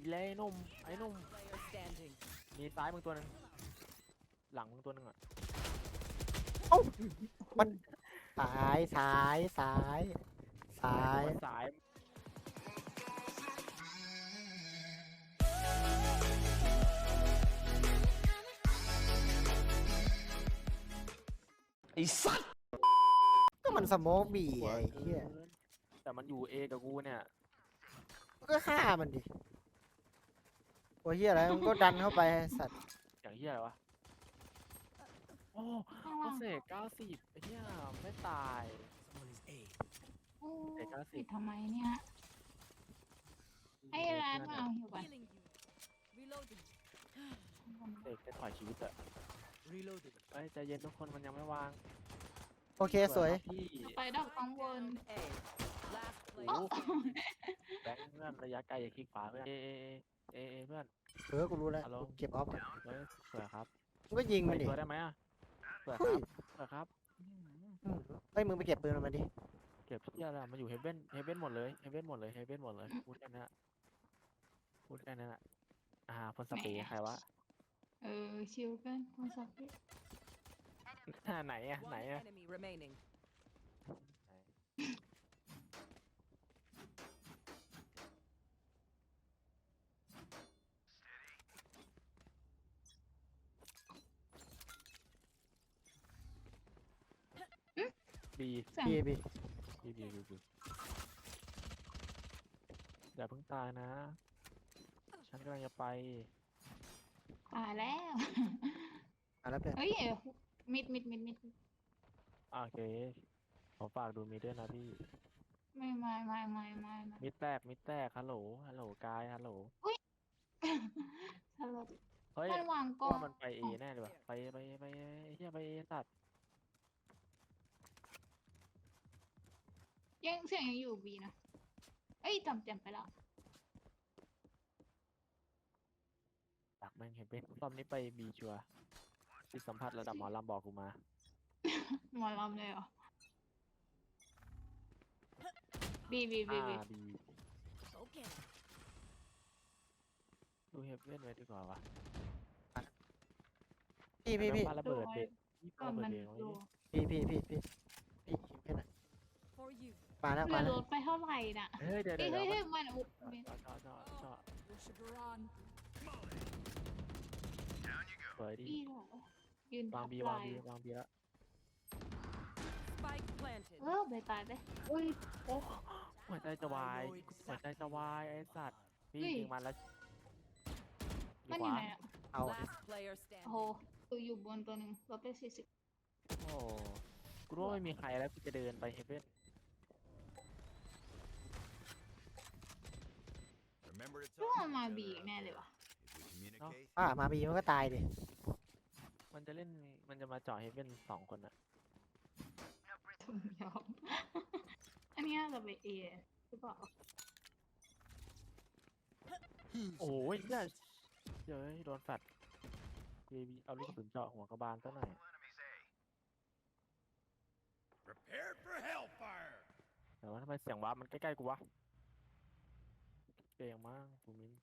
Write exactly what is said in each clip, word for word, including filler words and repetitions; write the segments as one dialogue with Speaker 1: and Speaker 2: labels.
Speaker 1: เลยไอ้นุ่มไอ้นุ่มมีซ้ายมึงตัวหนึ่งหลังมึงตัวหนึ่งอ่ะ
Speaker 2: เอ้ามันซ้ายซ้ายซ้ายซ้าย
Speaker 1: สายไอ้สัตว์
Speaker 2: ก็มันสโมกบีไอ้เหี้ย
Speaker 1: แต่มันอยู่เอกับกูเนี่ย
Speaker 2: ก็ฆ่ามันดิโอ้ยเหี้ยอะไรมันก็ดันเข้าไปไอ้สัตว์
Speaker 1: อย่างเหี้ยอะไรวะโอ้โอเสกเก้าสิบไอ้เหี้ยไม่ตาย
Speaker 3: โอ้
Speaker 1: เด็กเก้าสิบ
Speaker 3: ปิดทำไมเนี่ยให้ร้านมาเอาอยู่ก่อน
Speaker 1: เสกจะถอยชีวิตอะเอ้ยใจเย็นทุกคนมันยังไม่วาง
Speaker 2: โอเคสวย
Speaker 1: พี่
Speaker 3: ไปดอกกังวล
Speaker 1: โอ้โหแบงค์เพื่อนระยะไกลอย่าคลิกขวาเพื่อนเอเอเอเอเอเพื่อน
Speaker 2: เออกูรู้แล้ว
Speaker 1: ฮัลโหล
Speaker 2: เก็บออฟก่อน
Speaker 1: เฮ้ยสวยครับ
Speaker 2: มึงก็ยิง
Speaker 1: ไป
Speaker 2: มันดิ
Speaker 1: ตัวได้ไหมอะสวยค
Speaker 2: เฮ้
Speaker 1: รั
Speaker 2: ย
Speaker 1: บสวยครับ
Speaker 2: อืมเฮ้ยมึงไปเก็บปืนมันมาดิ
Speaker 1: เก็บที่อะไรมาอยู่เฮเว่นเฮเว่นหมดเลยเฮเว่นหมดเลยเฮเว่นหมดเลยพูดแค่นั้นอะพูดแค่นั้นอะอ่าพ่นสเปรย์ใครวะ
Speaker 3: เออชิวกันคนสักที
Speaker 1: อ่าไหนอะไหนอะ บี
Speaker 3: เสียง
Speaker 2: พี่พี่
Speaker 1: บีบีบีบีอย่าเพิ่งตายนะ ฉันกำลังจะไป
Speaker 3: ตายแล้ว
Speaker 2: อ่ะแล้วเพื่อน
Speaker 3: เอ้ยมิดมิดมิดมิด
Speaker 1: โอเคขอฝากดูมีด้วยนะพี่
Speaker 3: ไม่ไม่ไม่ไม่ไม่ไม่
Speaker 1: มิดแตกมิดแตกฮัลโหลฮัลโหลกายฮัลโหล
Speaker 3: สลด
Speaker 1: เฮ้ย
Speaker 3: มันวางกล้อ
Speaker 1: ว่าง มันไปเอแน่เลยว่ะไปไปไปเฮียไปเอสัตว์
Speaker 3: ยังเสียงยังอยู่บีนะเอ้ยจำจำไปแล้ว
Speaker 1: ดักแม่งเห็นเป็นรอบนี้ไปบีชัวร์จิตสัมผัสระดับหมอลำบอกกูมา
Speaker 3: หมอลำเลยเหรอบีบีบี
Speaker 1: อ่า
Speaker 3: บี
Speaker 1: บีดูเฮฟเว่นไว้ดีกว่าวะ
Speaker 2: พี่พี่พี่
Speaker 1: ปาระเบิดเด็กพี่ปา
Speaker 3: ก่อน
Speaker 1: ระเบิด
Speaker 3: มัน
Speaker 1: เด็กไว้
Speaker 3: ดู
Speaker 1: ดิ
Speaker 2: พี่พี่พี่พี่พี่แค่นั้นมาแล้ว
Speaker 3: เรื
Speaker 2: มา
Speaker 3: อ
Speaker 2: แล้
Speaker 3: ร
Speaker 2: ว
Speaker 3: ถไปเท่าไหร่น่ะ
Speaker 1: เฮ้ยเดี๋ยว
Speaker 3: เฮ้
Speaker 1: เดี๋
Speaker 3: ย
Speaker 1: ยว
Speaker 3: เฮ้ย
Speaker 1: เดี๋ยว
Speaker 3: เฮ้ยมันอุ๊บ
Speaker 1: จอดจอดจอดจอดสวยดิ
Speaker 3: บีเหรอยืน
Speaker 1: วา
Speaker 3: ทั
Speaker 1: ง
Speaker 3: บ
Speaker 1: บี
Speaker 3: ไห
Speaker 1: วาง
Speaker 3: ล่
Speaker 1: บีวางบีแล้ว
Speaker 3: เออไปตายไปอุ้ย
Speaker 1: โอ้หัวใจจะวายหัวใจจะวายไอ้สัตว์พี่
Speaker 3: เฮ้ย
Speaker 1: ยิงมันแล้ว
Speaker 3: มัน
Speaker 1: ข
Speaker 3: อยู่
Speaker 1: วา
Speaker 3: ไหนอ่ะ
Speaker 2: เอา
Speaker 3: โอ้โหตัวอยู่บนตัวหนึ่งลบไปสี่สิบ
Speaker 1: โอ้กูรู้ว่าไม่มีใครแล้วกูจะเดินไปเฮฟเว่น
Speaker 3: ก็เอามาบีอีกแน่เลยวะ
Speaker 2: อ่ามาบีมันก็ตายดิ
Speaker 1: มันจะเล่นมันจะมาเจาะเฮฟเว่นสองคนอะ
Speaker 3: ถุงยอม อันนี้น่าจะไปเอหรือเปล่า
Speaker 1: โอ้ยเนี่ยเดี๋ยวโดนแฟดเบบีเอาลูกกระสุนเจาะหัวกระบาลซะหน่อย
Speaker 4: Prepared for hellfire.
Speaker 1: แต่ว่าทำไมเสียงวาร์ปมันใกล้ๆกูวะเก่งมากกูมิน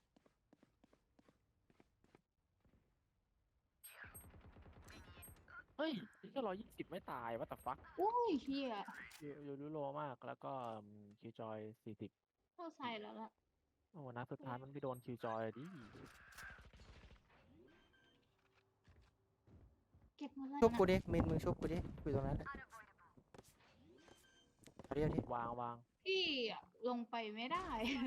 Speaker 1: เฮ้ยแค่ร้อยยี่สิบไม่ตายวัตถุฟัก
Speaker 3: อุ้ยเฮีย
Speaker 1: ยูรูโลมากแล้วก็คิวจอยสี่สิบ
Speaker 3: เข้าใส่แล้วล่ะ
Speaker 1: โอ้นัดสุดท้ายมันไปโดนคิวจอยดิ
Speaker 3: เก็บมาเลย
Speaker 2: ชุบ
Speaker 3: นะ
Speaker 2: กูดิมินมึงชุบกูดิกูอยู่ตรงนั้นแหละเอาดิเอาดิ
Speaker 1: วางวาง
Speaker 3: พี่อะลงไปไม่ได้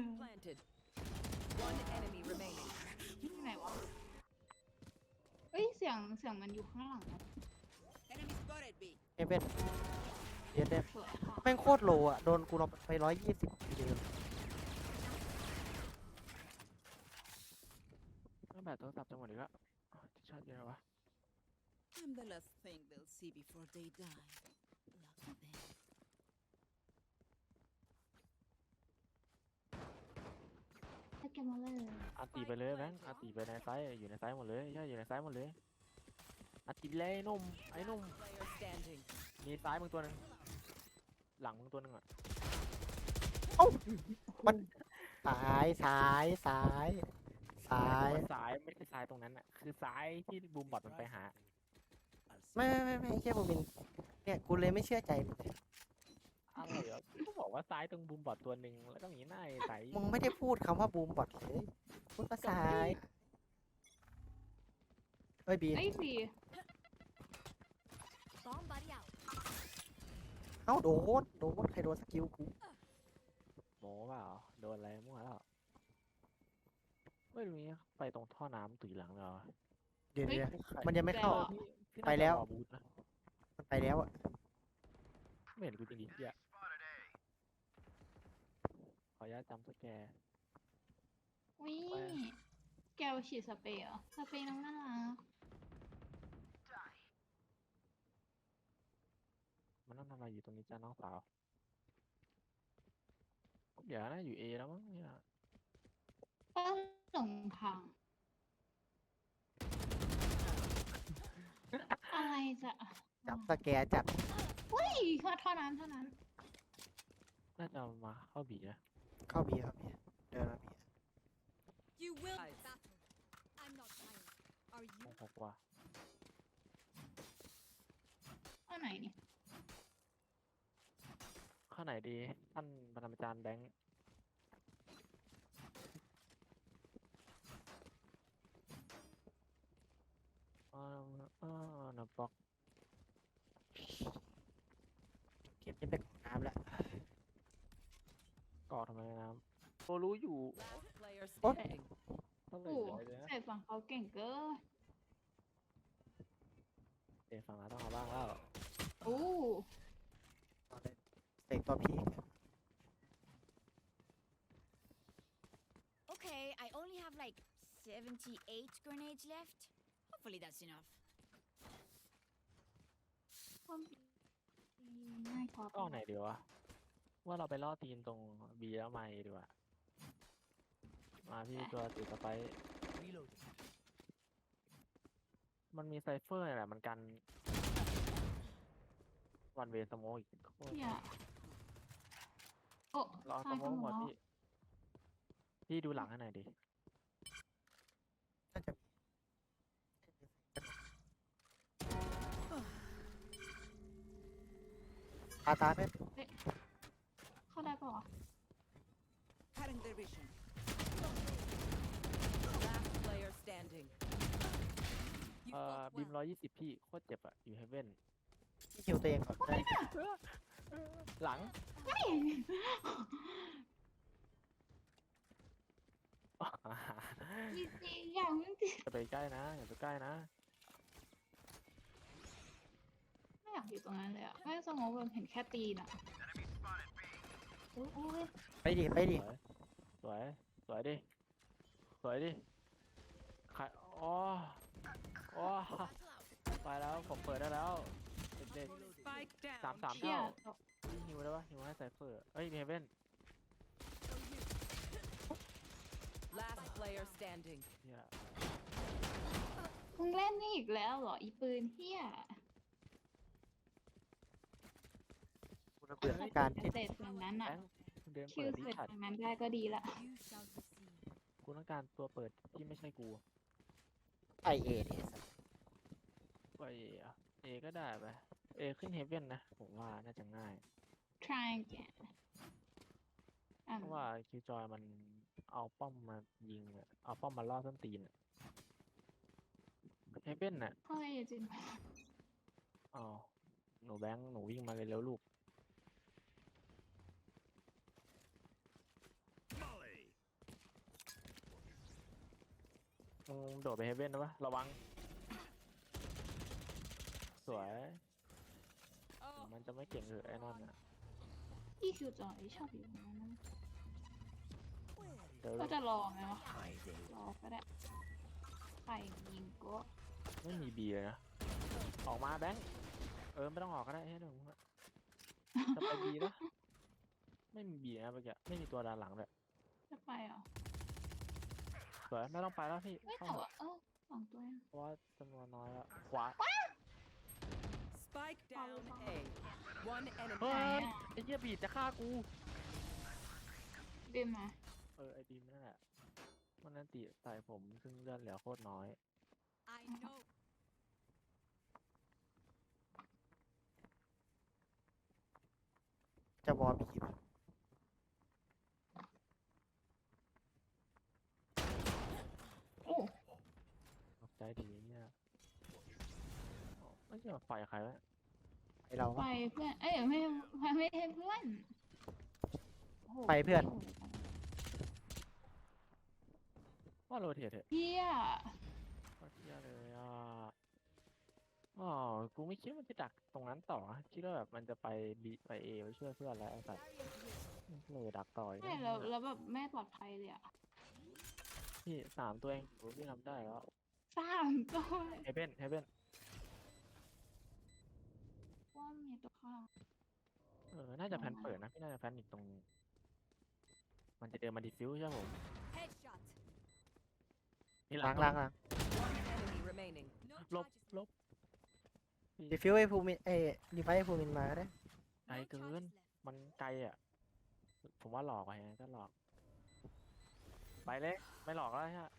Speaker 3: ที่ไหนวะเอ้ยเสียงเสียงมันอยู่ข้างหลังอะ
Speaker 2: เอเว่นเย็นเด้
Speaker 3: สวยค่ะ
Speaker 2: แม่งโคตรโลอ่ะโดนกูลงไปร้อยยี่สิบทีเดียว
Speaker 1: ไม่แบบโทรศัพท์จังหวะนี้ก็ที่ชาร์จเยอะวะ
Speaker 5: I'm the last thing they'll see before they die. Lucky them.
Speaker 3: ให้เก็บมาเลย
Speaker 1: อาตีไปเลยแบงค์อาตีไปในซ้ายอยู่ในซ้ายหมดเลยใช่อยู่ในซ้ายหมดเลยอาตีเลยไอ้นุ่มไอ้นุ่มมีซ้ายมึงตัวหนึงหลังมึงตัวหนึงอ่ะ
Speaker 2: เอ้ามันซ้ายซ้ายซ้ายซ้าย
Speaker 1: ซ้ายไม่ใช่ซ้ายตรงนั้นอ่ะคือซ้ายที่บูมบอทมันไปหา
Speaker 2: ไม่ไม่ไม่ไม่ใช่บูมินเนี่ยกูเลยไม่เชื่อใจมึงเลย
Speaker 1: อะไรเหรอก็บอกว่าซ้ายตรงบูมบอทตัวหนึ่งแล้วก็มีหน้าไอ้ใส
Speaker 2: มึงไม่ได้พูดคำว่าบูมบอทเลยพูดว่าซ้ายเอ้ยบีน
Speaker 3: ไอ้ยบี
Speaker 5: Bomb buddy out.
Speaker 2: เอ้าโดนโดนใครโดนสกิลกู
Speaker 1: โม้เปล่าโดนอะไรมั่วแล้วไม่รู้นี่ไปตรงท่อน้ำตุยหลังเลยเหรอ
Speaker 2: เดี๋ยว
Speaker 3: เฮ้ย
Speaker 2: เดี๋ยวมันยังไม่เข้า
Speaker 1: พี่พี่น่าจะ
Speaker 2: ไปแล้ว
Speaker 1: รอบูธนะ
Speaker 2: มันไปแล้วอะ
Speaker 1: ไม่เห็นกูจริงดิเฮียขออนุญาตจำสแกร์
Speaker 3: วิแกวฉีดสเปรย์เหรอสเปรย์น้องน่ารัก
Speaker 1: มันต้องทำอะไรอยู่ตรงนี้จ้าน้องสาวเดี๋ยวนะอยู่เอแล้วมั้งเนี่ย
Speaker 3: ก็หลงทางอะไรจะ
Speaker 2: จับสแกร์จัด
Speaker 3: อุ้ยเท่านั้นเท่านั้น
Speaker 1: น่าจะมาเข้าบีนะ
Speaker 2: เข้าบีครับบีเดินมาบี
Speaker 5: You will battle. I'm not tired. Are
Speaker 1: ห
Speaker 5: you?
Speaker 1: กหกว่า
Speaker 3: เอาไหนนี่
Speaker 1: ข้าไหนดีท่านปรมาจารย์แบงค์อ่าอ่านะบอก
Speaker 2: เก็บนี่เป็นของน้ำแล้ว
Speaker 1: กอดทำไมน้ำโอรู้อยู่
Speaker 5: Last player
Speaker 2: What?
Speaker 5: standing.
Speaker 1: เท่าไหร่
Speaker 3: โอ้
Speaker 1: เลยนะ
Speaker 3: ใส่ฝั่งเขาเก่งเกิน
Speaker 1: เดี๋ยวฝั่งเราต้องเอาบ้างแล้ว
Speaker 3: โอ้
Speaker 2: เอาเลยเสกตัวพีก
Speaker 6: Okay, I only have like seventy-eight grenades left. Hopefully that's enough.
Speaker 3: ความง่ายกว่า
Speaker 1: ก็ไหนเดียววะว่าเราไปล่อตีนตรงบีแล้วไม่ดีกว่ามาพี่ตัวติดสไปร์มันมีไซเฟอร์นี่แหละมันกันวันเวสโมอีกโคตร
Speaker 3: เนี่ยโอ้
Speaker 1: รอส
Speaker 3: ตาย
Speaker 1: โม
Speaker 3: กันห
Speaker 1: ห
Speaker 3: ม
Speaker 1: ม
Speaker 3: ด
Speaker 1: ด
Speaker 3: แล้ว
Speaker 1: พี่พี่ดูหลังให้หน่อยดิ
Speaker 2: น่าจะตาตาไม่
Speaker 3: เข้าได้ปะวะ
Speaker 5: Cutting their vision. Last player standing. You
Speaker 1: เอ่อ
Speaker 5: fought
Speaker 1: บีม
Speaker 5: well.
Speaker 1: ร้อยยี่สิบพี่โคตรเจ็บอะอยู่เฮเว่น
Speaker 2: ที่คิวตัวเองก่อนได้
Speaker 1: หลัง
Speaker 3: จริงๆอย่างมึงจริง
Speaker 1: อย่าไปใกล้นะอย่าไปใกล้นะ
Speaker 3: ไม่อยากอยู่ตรงนั้นเลยอ่ะไม่สมองแบบเห็นแค่ตีนอ่ะโอ้ยโอ้ย
Speaker 2: ไปดิไปดิ
Speaker 1: สวยสวยดิสวยดิใครอ๋ออ๋อไปแล้วผมเปิดได้แล้วเด็ก
Speaker 5: Spike
Speaker 1: ๆสาม
Speaker 5: down.
Speaker 1: สาม
Speaker 3: เชี่ย
Speaker 1: เท่าฮิวได้ปะฮิวให้ไซเฟอร์เอ้ยเฮเว่น
Speaker 5: Last player standing.
Speaker 1: เนี่ย
Speaker 3: มึงเล่นนี่อีกแล้วเหรออีปืนเฮีย
Speaker 2: กูระเบื่อการที่
Speaker 3: เสร็จตรงนั้น
Speaker 1: แบ
Speaker 3: อ่ะ
Speaker 1: งค์เดิน
Speaker 3: คิ
Speaker 1: เปิ
Speaker 3: ว
Speaker 1: ดดิ
Speaker 3: เสร็จ
Speaker 1: ฉัด
Speaker 3: ตรงนั้นได้ก็ดีละ
Speaker 6: You shall receive.
Speaker 1: กูต้องการตัวเปิดที่ไม่ใช่กู
Speaker 2: ไอเอเนี่ย
Speaker 1: ไปอะเอก็ได้ไปเอขึ้นเฮเว่นนะผมว่าน่าจะง่าย
Speaker 3: try again อ่ะ
Speaker 1: เพราะว่าคิวจอยมันเอาป้อมมายิงอะเอาป้อมมาล่อส้นตีนอะเฮเว่นน่ะ
Speaker 3: เฮ้ยจริง
Speaker 1: อ๋อหนูแบงค์หนูวิ่งมาเลยเร็วลูก
Speaker 4: Molly.
Speaker 1: มึงโดดไปเฮเว่นนะวะระวัง สวย
Speaker 5: Oh,
Speaker 1: มันจะไม่เก่งเลยไอ้นั่นน่ะ
Speaker 3: พี่คิวจอยชอบอยู่ตรงนั้นนะ
Speaker 1: เดี๋ยว
Speaker 3: ก็จะรอไหมวะรอก็ได้ใครยิงก็
Speaker 1: ไม่มีบีเลยนะ ออกมาแบงค์เออไม่ต้องออกก็ได้ให้หนึ่งอะจะไปบีนะไม่มีบีนะเมื่อกี้ไม่มีตัวด้านหลังเลย
Speaker 3: จะไปเหรอ
Speaker 1: สวยไม่ต้องไปแล้วพี่
Speaker 3: ไม่
Speaker 1: เข้า
Speaker 3: แต่
Speaker 1: เถ
Speaker 3: ว่า
Speaker 1: อะ
Speaker 3: เออสองตัวเอง
Speaker 1: เพราะว่าจำนวนน้อยแล้วขวา
Speaker 5: spike down A. One
Speaker 1: เฮ้
Speaker 5: enemy.
Speaker 1: ยไอ้เหี้ยบีดจะฆ่ากู
Speaker 3: บินมา
Speaker 1: เอออไอดีมนั่นแหละมันนั่นติใส่ผมซึ่งเลือดเหลือโคตรน้อย
Speaker 5: I know.
Speaker 2: จะวอลบีป่ะ
Speaker 3: โอ้
Speaker 1: ตกใจดีเนี่ยอ๋อไม่ใช่ว่าไฟใครวะ
Speaker 2: ไอเรา
Speaker 3: ไป
Speaker 2: ปะ
Speaker 3: เพื่อนเอ้ยไม่ไม่ใช่เพื่อนโอ้โห
Speaker 2: ไปเพื่อน
Speaker 1: ว่าโรเทตเถอะ
Speaker 3: เฮีย
Speaker 1: ว่าเที่ยเลยอ่ะอ๋อกูไม่คิดว่ามันจะดักตรงนั้นต่อคิดว่าแบบมันจะไปบีไปเอไปช่วยเพื่อนแล้วไอ้สัตว์เลยดักต่อย
Speaker 3: ไม่แล้วแล้วแบบไม่ปลอดภัยเลยอะ
Speaker 1: พี่สามตัวเองโอ้พี่ทำได้แล้ว
Speaker 3: สามตัว
Speaker 1: เฮเบนเฮเบน
Speaker 3: ว่ามีตัวข้าง
Speaker 1: เออน่าจะแพนเปิดนะพี่น่าจะแพนอีกตรง มันจะเดินมาดิฟิวใช่ไหมผม
Speaker 5: Headshot.
Speaker 1: นี่ห
Speaker 2: ล้างล้างล้าง
Speaker 5: One enemy remaining. No
Speaker 1: ลบ
Speaker 5: charges
Speaker 1: ล
Speaker 5: left.
Speaker 1: บ
Speaker 2: ดีฟิวไอ้ภูมินเอ้ดีไฟไอ้ภูมินมาก็ได้
Speaker 1: ไกล
Speaker 5: No
Speaker 1: เกิ
Speaker 5: charges
Speaker 1: น
Speaker 5: left.
Speaker 1: มันไกลอ่ะ ผมว่าหลอกไปไงก็หลอก ไปเลยไม่หลอกแล้วฮะ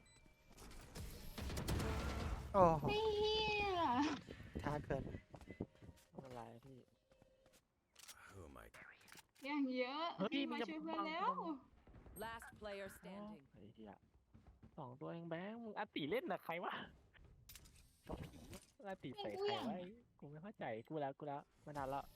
Speaker 2: โอ้โห
Speaker 3: เฮีย
Speaker 2: ช้าเกิน
Speaker 1: ไม่เป็นไรพี่
Speaker 4: Who am I?
Speaker 3: อย่างเยอะ
Speaker 1: เฮ้ย
Speaker 3: พี่
Speaker 1: มัน
Speaker 3: มา
Speaker 1: จะ
Speaker 3: ช่วยเพื่อน
Speaker 1: บัง
Speaker 3: แล้ว
Speaker 5: Last player
Speaker 1: อ๋อ
Speaker 5: standing.
Speaker 1: ไอ้เหี้ยสองตัวเองแบงค์มึงอาติเล่นนะใครวะอาติใส่ใครไว้กูไม่เข้าใจกูแล้วกูแล้วมานานแล้ว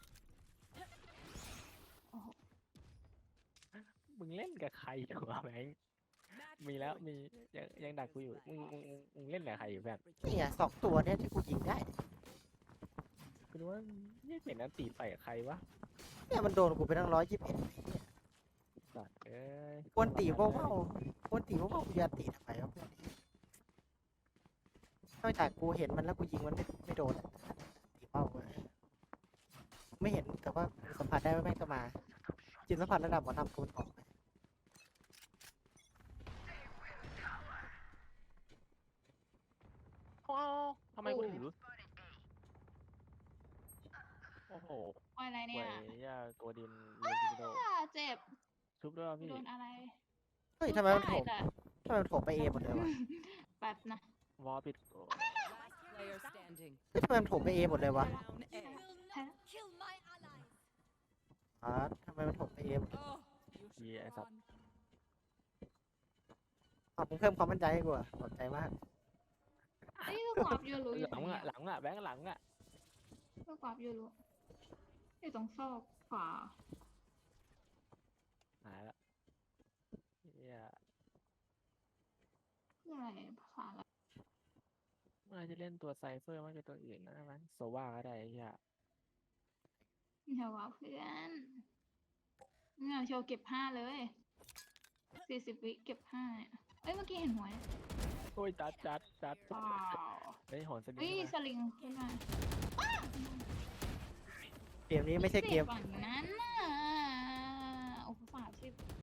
Speaker 3: โอ้โห
Speaker 1: มึงเล่นกับใครอยู่วะแบงค์
Speaker 5: Match
Speaker 1: มีแล้ว
Speaker 5: point.
Speaker 1: มียังยังดักกูอยู่มึงมึงมึงมึงเล่นกับใครอยู่แบบ
Speaker 2: นี่ไงสองตัวเนี่ยที่กูยิงได้
Speaker 1: กูรู้ว่านี่เห็นอาติใส่ใครวะ
Speaker 2: เนี่ยมันโดนกูไปตั้งร้อยยี่สิบเอ็ด
Speaker 1: สัตว์เอ้ย
Speaker 2: กวนตีว่าวๆกวนตีว่าวๆกูจะตีทำไมวะเพื่อนนอกจากกูเห็นมันแล้วกูยิงมันไม่ไม่โดนอะตีเป้าเว้ยไม่เห็นแต่ว่าสัมผัสได้ว่าแม่งจะมา จิตสัมผัสระดับหมอทำกูมันออก
Speaker 1: อ้าวทำไมกูถือโอ้โห
Speaker 3: ว่าอะไร
Speaker 1: เว้
Speaker 3: เนี่ย
Speaker 1: ยย่าตัวดินเรียนจิโด
Speaker 3: อ่าเจ็บ
Speaker 1: ชุบด้วยวะพี่
Speaker 3: โดนอะไร
Speaker 2: เฮ้ยทำไมมันโถม
Speaker 3: ด้แต่
Speaker 2: ทำไมมันโถมไปเอหมดเลยวะ
Speaker 3: แป๊บนะ
Speaker 1: วอลปิดโอ้
Speaker 5: Last player standing.
Speaker 2: เฮ้ยทำไมมันโถมไปเอหมดเลยวะ
Speaker 5: Down A.
Speaker 6: Will not kill my allies.
Speaker 2: อ๋อทำไมมันโถมไปเอหมด
Speaker 5: Oh, you should
Speaker 1: Yeah, I thought-
Speaker 5: run.
Speaker 2: อ๋อมึงเพิ่มความมั่นใจให้กูอะขอบใจมาก
Speaker 3: นี่ลูกกรอบยูรู้อ
Speaker 1: ห
Speaker 3: ยู่
Speaker 1: ลัง
Speaker 3: ไหน
Speaker 1: อ่ะ
Speaker 3: อะ
Speaker 1: หลังอ่ะแบงค์หลังอ่ะ
Speaker 3: ลูกกรอบยูรู้อยู่ตรงซอกขวา
Speaker 1: หายละเฮีย
Speaker 3: คืออะไรภาษาอะไร
Speaker 1: เมื่อจะเล่นตัวไซเฟอร์มากกว่าตัวอื่นนะมันโซว่าก็ได้ไอ้เฮีย
Speaker 3: เดี๋ยวว่าเพื่อนเนี่ยโชว์เก็บห้าเลยสี่สิบวิเก็บห้าเนี่ยเอ้ยเมื่อกี้เห็นหัวเนี่ย
Speaker 1: โอ้ยจัดจัดจัด
Speaker 3: ว้าว
Speaker 1: เฮ้ยโหนสลิง
Speaker 3: เฮ้ย
Speaker 1: ขึ้น
Speaker 3: ส
Speaker 1: มา
Speaker 3: ลิงขึ้นมา
Speaker 2: เกมนี้ไม่ใช่เกม
Speaker 3: ฝั่งนั้นน่ะโอ้โหสามสิบ